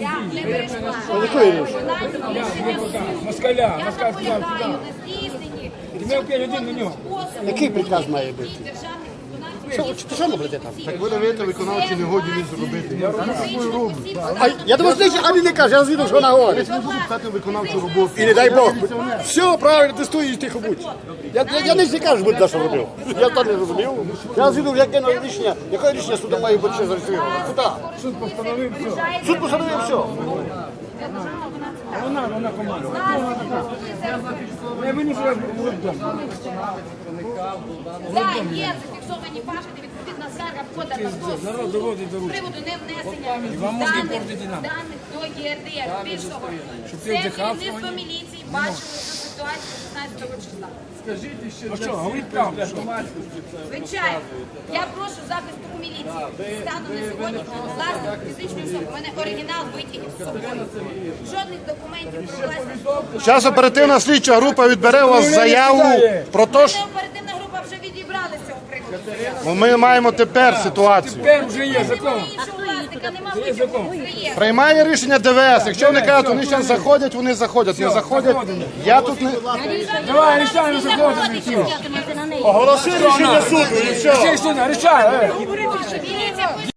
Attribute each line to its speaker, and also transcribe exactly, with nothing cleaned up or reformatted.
Speaker 1: не прийшла.
Speaker 2: Якої рішення?
Speaker 3: Москаля,
Speaker 1: Я
Speaker 3: москаль сказав
Speaker 1: наполягаю
Speaker 3: сюди.
Speaker 1: на здійсненні
Speaker 3: Ти мав п'ять годин на нього.
Speaker 2: Який приказ має бути?
Speaker 1: державних
Speaker 2: Що,
Speaker 1: виконавчих
Speaker 2: що робите там?
Speaker 4: Так ви даєте виконавчі негоді він зробити. Я роблю.
Speaker 2: А я до вас не а він не каже, я звідав, що вона говорить.
Speaker 4: Я буду писати виконавчу роботу.
Speaker 2: І не дай Бог. Все, правильно, ти стоїш, тихо будь. Я, я, я не всі кажу, будь що робив. Я там не розумів. Я звідав, яке рішення, яке рішення суду має бути ще зареєстровано. Куди?
Speaker 3: Суд постановив все.
Speaker 2: Суд постановив все.
Speaker 3: А вона, вона команда. Не мені вже були вдома.
Speaker 1: Так, є зафіксовані факти, відповідна скарга подана
Speaker 3: Народ
Speaker 1: до
Speaker 3: доводить до
Speaker 1: суду з
Speaker 3: ручки.
Speaker 1: приводу невнесення
Speaker 3: вам мозги
Speaker 1: даних,
Speaker 3: портите нам.
Speaker 1: даних до ЄРДР. Більш того,
Speaker 3: ти
Speaker 1: все
Speaker 3: вдихав
Speaker 1: керівництво
Speaker 3: сьогодні?
Speaker 1: міліції бачило цю ситуацію шістнадцятого числа.
Speaker 3: А що, говорить правду, що?
Speaker 1: Звичайно. Я прошу захисту у міліції. Стану на сьогодні власник фізичної особи. У мене оригінал витягів з собою. Жодних документів про власність.
Speaker 4: Зараз оперативна слідча група відбере у вас заяву про те, що
Speaker 1: Оперативна група вже відібрали з цього приводу.
Speaker 4: ми маємо тепер ситуацію.
Speaker 3: Тепер вже є закон.
Speaker 1: Немає іншого власника, немає витягу з реєстру.
Speaker 4: Приймає рішення ДВС. Якщо вони кажуть, вони зараз заходять, вони заходять. Не заходять. Я тут не...
Speaker 3: Давай, рішаємо, заходимо.
Speaker 2: Оголоси рішення суду і все.
Speaker 3: Всі сюди, рішаємо.
Speaker 1: Міліція